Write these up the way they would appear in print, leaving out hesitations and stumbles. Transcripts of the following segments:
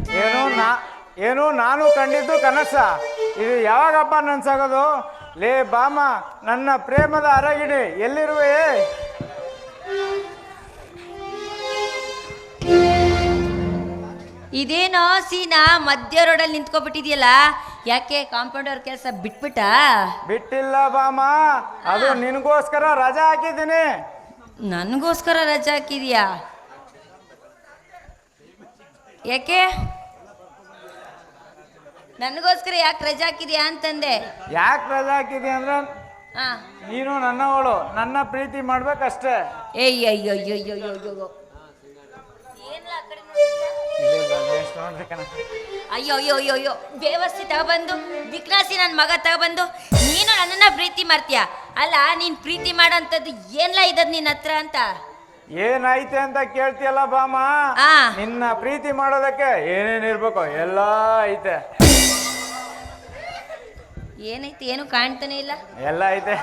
ಏನು ನಾನು ಕಂಡಿದ್ದು ಕನಸ. ಇದು ಯಾವಾಗಪ್ಪ ನನ್ಸಾಗೋದು? ಲೇ ಬಾಮ, ನನ್ನ ಪ್ರೇಮದ ಅರಗಿಣಿ ಎಲ್ಲಿರುವೆ? ಇದೇನೋ ಸೀನಾ ಮಧ್ಯ ರೋಡಲ್ಲಿ ನಿಂತ್ಕೊಬಿಟ್ಟಿದ್ಯಲ್ಲ, ಯಾಕೆ ಕಾಂಪೌಂಡರ್ ಕೆಲಸ ಬಿಟ್ಬಿಟ್ಟ? ಬಿಟ್ಟಿಲ್ಲ ಬಾಮ, ಅದು ನಿನಗೋಸ್ಕರ ರಜಾ ಹಾಕಿದ್ದೀನಿ. ನನಗೋಸ್ಕರ ರಜಾ ಹಾಕಿದ್ಯಾ? ಯಾಕೆ ನನಗೋಸ್ಕರ ಯಾಕೆ ರಜಾ ಹಾಕಿದ್ಯಾ ಅಂತಂದೆ. ಯಾಕೆ ರಜಾ ಹಾಕಿದ್ಯಾ ಅಂದ್ರೆ ನೀನು ನನ್ನವಳು, ನನ್ನ ಪ್ರೀತಿ ಮಾಡ್ಬೇಕಷ್ಟೇ. ಅಯ್ಯೋ ಅಯ್ಯೋ ಅಯ್ಯೋ ಅಯ್ಯೋ ಬೇವಸ್ತಿ ತಗೊಬಂದು ವಿಕ್ನಾಸಿ ನನ್ನ ಮಗ ತಗೊಬಂದು ನೀನು ನನ್ನನ್ನ ಪ್ರೀತಿ ಮಾಡ್ತೀಯ ಅಲ್ಲ? ನೀನ್ ಪ್ರೀತಿ ಮಾಡೋಂಥದ್ದು ಏನ್ಲ ಇದ್ದದ್ ನಿನ್ನ ಹತ್ರ ಅಂತ? ಏನೈತೆ ಅಂತ ಕೇಳ್ತಿಯಲ್ಲ ಬಾಮ, ನಿನ್ನ ಪ್ರೀತಿ ಮಾಡೋದಕ್ಕೆ ಏನೇನಿರ್ಬೇಕು ಎಲ್ಲ ಐತೆ. ಏನೈತೆ? ಏನು ಕಾಣ್ತಾನೆ ಇಲ್ಲ. ಎಲ್ಲ ಐತೆ.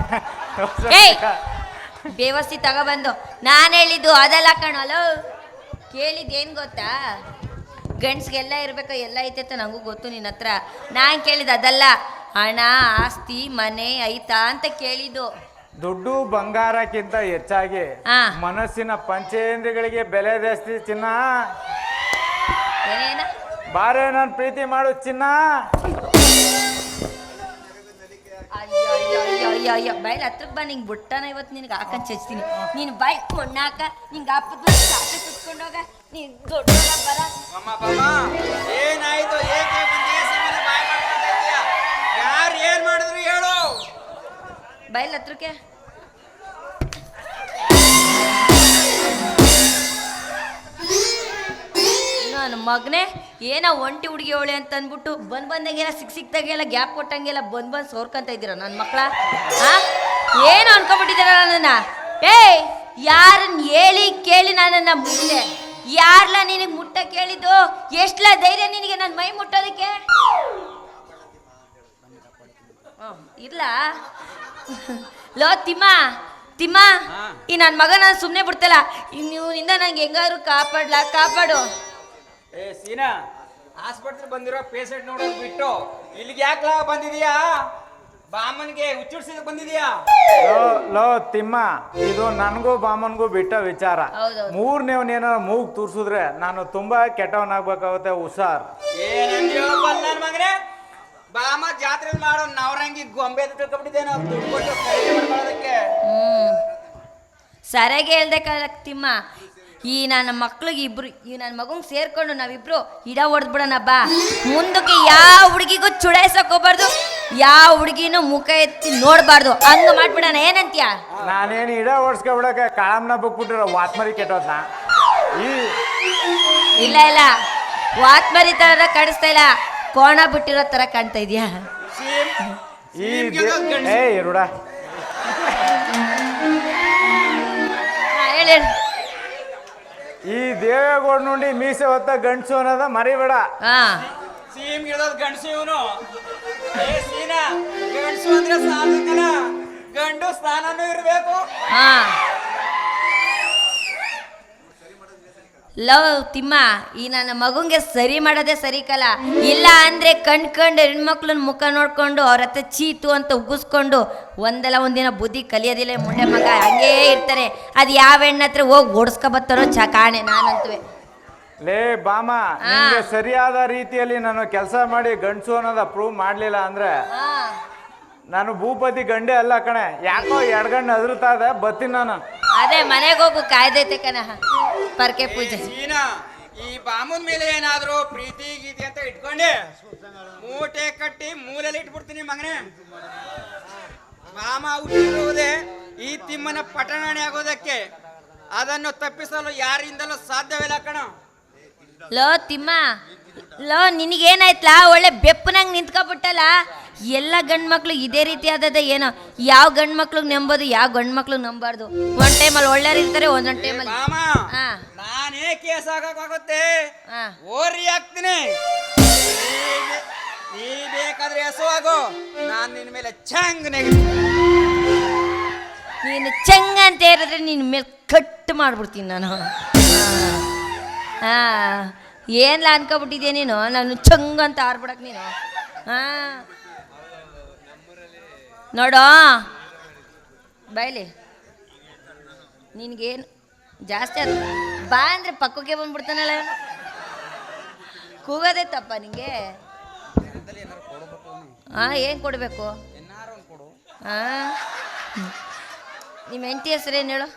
ಬೇವಸ್ತಿ ತಗೊಬಂದು ನಾನು ಹೇಳಿದ್ದು ಅದೆಲ್ಲ ಕಣಲ್ಲ, ಕೇಳಿದ್ದೇನು ಗೊತ್ತಾ? ಗಂಡ್ಸ್ಗೆಲ್ಲ ಇರ್ಬೇಕು, ಎಲ್ಲ ಐತೆ ನಂಗೂ ಗೊತ್ತು ನಿನ್ನ ಹತ್ರ. ನಾನು ಕೇಳಿದ್ದು ಅದಲ್ಲ, ಹಣ ಆಸ್ತಿ ಮನೆ ಐತಾ ಅಂತ ಕೇಳಿದ್ದು. ದುಡ್ಡು ಬಂಗಾರಕ್ಕಿಂತ ಹೆಚ್ಚಾಗಿ ಮನಸ್ಸಿನ ಪಂಚೇಂದ್ರಿಯಗಳಿಗೆ ಬೆಲೆ ಜಾಸ್ತಿ ಚಿನ್ನ. ಏನೇನ ಬಾರೆ ನಾನು ಪ್ರೀತಿ ಮಾಡು ಚಿನ್ನ. ಅಯ್ಯೋ ಬಾಯ್ಲಿ ಹತ್ರಕ್ಕೆ ಬಾ, ನಿಂಗೆ ಬುಟ್ಟನ ಇವತ್ತು ನಿನಗೆ ಹಾಕಂತ ಚಚ್ತೀನಿ. ನೀನು ಬಾಯ್ ಮಣ್ಣಾಕ ನಿಂಗೆ ಹಾಪದ ಸಾಕು ಸುತ್ಕೊಂಡೋಗ, ನೀನು ದೊಡ್ಡ ಬರ. ಏನಾಯ್ತು? ಏಕೆ ಬಾಯ್ ಯಾರು ಏನ್ ಮಾಡಿದ್ರು ಹೇಳು. ಬಾಯ್ಲಿ ಹತ್ರಕ್ಕೆ ನನ್ನ ಮಗನೇ ಏನೋ ಒಂಟಿ ಹುಡುಗಿ ಅವಳೆ ಅಂತ ಅಂದ್ಬಿಟ್ಟು ಬಂದಂಗೆಲ್ಲ ಸಿಕ್ದಾಗೆಲ್ಲ ಗ್ಯಾಪ್ ಕೊಟ್ಟಂಗೆಲ್ಲ ಬಂದು ಸೋರ್ಕಂತ ಇದ್ದೀರ ನನ್ನ ಮಕ್ಕಳ. ಏನು ಅನ್ಕೊಂಡ್ಬಿಟ್ಟಿದ್ದೀರ ನನ್ನನ್ನ? ಯಾರನ್ನ ಹೇಳಿ ಕೇಳಿ ನನ್ನನ್ನ ಮುಟ್ಟೆ? ಯಾರ್ಲ ನಿನಗೆ ಮುಟ್ಟ ಕೇಳಿದ್ದು? ಎಷ್ಟಲ ಧೈರ್ಯ ನಿನಗೆ ನನ್ನ ಮೈ ಮುಟ್ಟೋದಕ್ಕೆ? ಇಲ್ಲ ಲೋ ತಿಮ್ಮ ತಿಮ್ಮ, ಈ ನನ್ನ ಮಗ ನಾನು ಸುಮ್ಮನೆ ಬಿಡ್ತಲ್ಲ, ನೀವಿಂದ ನಂಗೆ ಹೆಂಗಾದ್ರು ಕಾಪಾಡು. ಸೀನಾ, ಆಸ್ಪತ್ರೆ ಬಂದಿರೋ ಪೇಷಂಟ್ ನೋಡೋದು ಬಿಟ್ಟು ಇಲ್ಲಿಗೆ ಯಾಕೆ ಬಂದಿದೀಯಾ? ಬಾಮನ್ಗೆ ಹುಚ್ಚುಡ್ಸಿದ ಬಂದಿದೀಯಾ? ಲೋ ತಿಮ್ಮ, ಇದು ನನಗೂ ಬಾಮನ್ಗೂ ಬಿಟ್ಟ ವಿಚಾರ. ಮೂರನೇವನೇನಾರ ಮೂಗ್ ತೂರ್ಸಿದ್ರೆ ನಾನು ತುಂಬಾ ಕೆಟ್ಟವನಾಗ್ಬೇಕಾಗುತ್ತೆ. ಹುಷಾರ್. ಏನಂದ್ಯೋ ನನ್ನ ಮಗನೇ? ಬಾಮ ಜಾತ್ರೆ ಮಾಡೋ ನವರಂಗಿ ಗೊಂಬೆ ತಿಳ್ಕೊಂಡ್ಬಿಟ್ಟಿದ್ದೆ ನಾವು ದುಡ್ಡು ಕೊಟ್ಟು ಮಾಡೋದಕ್ಕೆ. ಸರಿಯಾಗಿ ಹೇಳ್ದೆ ತಿಮ್ಮ. ಈ ನನ್ನ ಮಕ್ಳಿಗೆ ಇಬ್ರು, ಈ ನನ್ನ ಮಗಂಗೆ ಸೇರ್ಕೊಂಡು ನಾವಿಬ್ರು ಇಡ ಹೊಡೆದ್ಬಿಡೋಣ ಬಾ. ಮುಂದಕ್ಕೆ ಯಾವ ಹುಡುಗಿಗೂ ಚುಡಾಯಿಸಕ್ ಹೋಗ್ಬಾರ್ದು, ಯಾವ ಹುಡುಗಿನೂ ಮುಖ ಎತ್ತಿ ನೋಡ್ಬಾರ್ದು, ಹಂಗ ಮಾಡ್ಬಿಡೋಣ. ಏನಂತೀಯ? ನಾನೇನು ಇಡ ಓಡಿಸ್ಕೊಬಿಡಕ್ಕೆ ಕಾಳಮ್ನ ಬಿಟ್ಬಿಟ್ಟಿರೋ ವಾತ್ಮರಿ ಕೆಟ್ಟೋದ್ನ. ಇಲ್ಲ ವಾತ್ಮರಿ ತರ ಕಾಣಿಸ್ತಾ ಇಲ್ಲ, ಕೋಣ ಬಿಟ್ಟಿರೋ ತರ ಕಾಣ್ತಾ ಇದೆಯಾ? ರೂಢ ಹೇಳಿ. ಈ ದೇವೇಗೌಡ ನೋಡಿ ಮೀಸೆ ಹೊತ್ತ ಗಂಡಸು ಅನ್ನೋದ ಮರಿಬೇಡ. ಸೀಮ್ ಗಿಡದ ಗಂಡಸು ಇವನು. ಗಂಡಸು ಅಂದ್ರೆ ಸಾಲ, ಗಂಡು ಸ್ಥಾನನೂ ಇರಬೇಕು. ಲವ್ ತಿಮ್ಮ, ಈ ನನ್ನ ಮಗುಂಗೆ ಸರಿ ಮಾಡೋದೇ ಸರಿ ಕಲ. ಇಲ್ಲ ಅಂದ್ರೆ ಕಂಡು ಹೆಣ್ಮಕ್ಳನ್ನ ಮುಖ ನೋಡ್ಕೊಂಡು ಅವ್ರ ಹತ್ರ ಚೀತು ಅಂತ ಉಗ್ಗಿಸ್ಕೊಂಡು ಒಂದಲ್ಲ ಒಂದಿನ ಬುದ್ಧಿ ಕಲಿಯೋದಿಲ್ಲ ಮುಂಡೆ ಮಗ, ಹಂಗೇ ಇರ್ತಾರೆ. ಅದು ಯಾವ ಹೆಣ್ಣ ಹತ್ರ ಹೋಗಿ ಓಡಿಸ್ಕೊಬತ್ತಾರೋ ಕಾಣೆ ನಾನಂತುವೆ. ಲೇ ಬಾಮ, ನಿಂಗೆ ಸರಿಯಾದ ರೀತಿಯಲ್ಲಿ ನಾನು ಕೆಲಸ ಮಾಡಿ ಗಂಡಸು ಅನ್ನೋದ ಪ್ರೂವ್ ಮಾಡ್ಲಿಲ್ಲ ಅಂದ್ರೆ ನಾನು ಭೂಪತಿ ಗಂಡೆ ಅಲ್ಲ ಕಣೆ. ಯಾಕೋ ಎಡ್ಗಂಡು ಅದ್ರತಾ ಇದೆ, ಬತ್ತೀನಿ ನಾನು. ಅದೇ ಮನೆಗೆ ಹೋಗು, ಕಾಯ್ದೈತೆ ಕಣ ಪರ್ಕೆ ಪೂಜೆ. ಈ ಬಾಮುನ್ ಮೇಲೆ ಏನಾದ್ರು ಪ್ರೀತಿ ಗೀತಿ ಅಂತ ಇಟ್ಕೊಂಡೆ ಮೂಟೆ ಕಟ್ಟಿ ಮೂಲೆಯಲ್ಲಿ ಇಟ್ಬಿಡ್ತೀನಿ ಮಗನೇ. ಬಾಮ ಹುಟ್ಟಿರುವುದೇ ಈ ತಿಮ್ಮನ ಪಟಣೆ ಆಗೋದಕ್ಕೆ, ಅದನ್ನು ತಪ್ಪಿಸಲು ಯಾರಿಂದಲೂ ಸಾಧ್ಯವಿಲ್ಲ ಕಣ. ಲೋ ತಿಮ್ಮ, ಲೋ ನಿನಗೇನಾಯ್ತಲ್ಲ, ಒಳ್ಳೆ ಬೆಪ್ಪನಂಗೆ ನಿಂತ್ಕೊಬಿಟ್ಟಲ್ಲ. ಎಲ್ಲ ಗಂಡು ಮಕ್ಳು ಇದೇ ರೀತಿ ಆದದ ಏನೋ? ಯಾವ ಗಂಡು ಮಕ್ಳಿಗೆ ನಂಬೋದು, ಯಾವ ಗಂಡು ಮಕ್ಳಿಗೆ ನಂಬಾರ್ದು. ಒಂದ್ ಟೈಮಲ್ಲಿ ಒಳ್ಳೆಯವ್ರು ಇರ್ತಾರೆ, ಒಂದೊಂದು ಟೈಮಲ್ಲಿ. ನಾನೇ ಕೇಸ್ ಹಾಕಕ್ಕಾಗುತ್ತೆ, ಓರಿ ಹಾಕ್ತೀನಿ. ನೀ ಬೇಕಾದ್ರೆ ಹೆಸುವಾಗು, ನಾನು ನಿನ್ನ ಮೇಲೆ ಚಂಗ್ ನೀನು ಚಂಗ ಅಂತ ಹೇಳಿದ್ರೆ ನಿನ್ನ ಮೇಲೆ ಕಟ್ ಮಾಡ್ಬಿಡ್ತೀನಿ ನಾನು. ಏನ್ಲ ಅನ್ಕೊಬಿಟ್ಟಿದ್ಯಾ ನೀನು ನಾನು ಚಂಗ್ ಅಂತ ಆರ್ಬಿಡಕ್ ನೀನು ಹಾಂ ನೋಡೋ ಬಾಯ್ಲಿ ನಿನಗೇನು ಜಾಸ್ತಿ ಅದು ಬಾ ಅಂದರೆ ಪಕ್ಕಕ್ಕೆ ಬಂದ್ಬಿಡ್ತಾನಲ್ಲ ಕೂಗೋದೇ ತಪ್ಪ ನಿಂಗೆ ಹಾಂ ಏನು ಕೊಡಬೇಕು ಹಾಂ ನಿಮ್ಮ ಹೆಂಡತಿ ಹೆಸರೇನು ಹೇಳು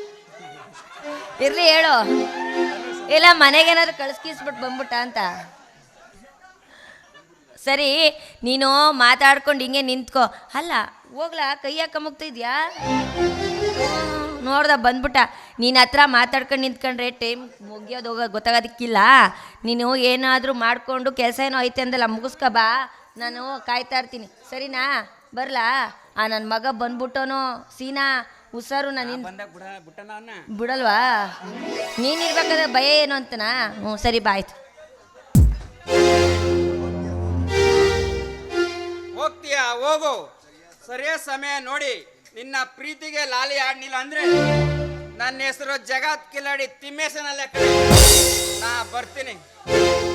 ಇರಲಿ ಹೇಳು ಇಲ್ಲ ಮನೆಗೇನಾದ್ರು ಕಳಿಸ್ಕಿಸ್ಬಿಟ್ಟು ಬಂದ್ಬಿಟ್ಟ ಅಂತ ಸರಿ ನೀನು ಮಾತಾಡ್ಕೊಂಡು ಹಿಂಗೆ ನಿಂತ್ಕೋ ಅಲ್ಲ ಹೋಗ್ಲಾ ಕೈ ಹಾಕ ಮುಗ್ತಿದ್ಯಾ ನೋಡ್ದ ಬಂದ್ಬಿಟ್ಟ ನೀನು ಹತ್ರ ಮಾತಾಡ್ಕೊಂಡು ನಿಂತ್ಕೊಂಡ್ರೆ ಟೈಮ್ ಮುಗಿಯೋದು ಹೋಗೋ ಗೊತ್ತಾಗೋದಕ್ಕಿಲ್ಲ ನೀನು ಏನಾದರೂ ಮಾಡಿಕೊಂಡು ಕೆಲಸ ಏನೋ ಐತೆ ಅಂದಲ್ಲ ಮುಗಿಸ್ಕೊ ಬಾ ನಾನು ಕಾಯ್ತಾ ಇರ್ತೀನಿ ಸರಿನಾ ಬರಲಾ ನನ್ನ ಮಗ ಬಂದ್ಬಿಟ್ಟೋನು ಸೀನಾ ಹುಷಾರು ನಾನು ಬಿಡಲ್ವಾ ನೀನಿರ್ಬೇಕಾದ್ರೆ ಭಯ ಏನು ಅಂತನಾ ಹ್ಞೂ ಸರಿ ಬಾಯ್ತು ಹೋಗ್ತೀಯಾ ಹೋಗು ಸರಿಯಾದ ಸಮಯ ನೋಡಿ ನಿನ್ನ ಪ್ರೀತಿಗೆ ಲಾಲಿ ಆಡ್ನಿಲ್ಲ ಅಂದ್ರೆ ನನ್ನ ಹೆಸರು ಜಗತ್ ಕಿಲಾಡಿ ತಿಮ್ಮೇಶನಲ್ಲೇ ನಾ ಬರ್ತೀನಿ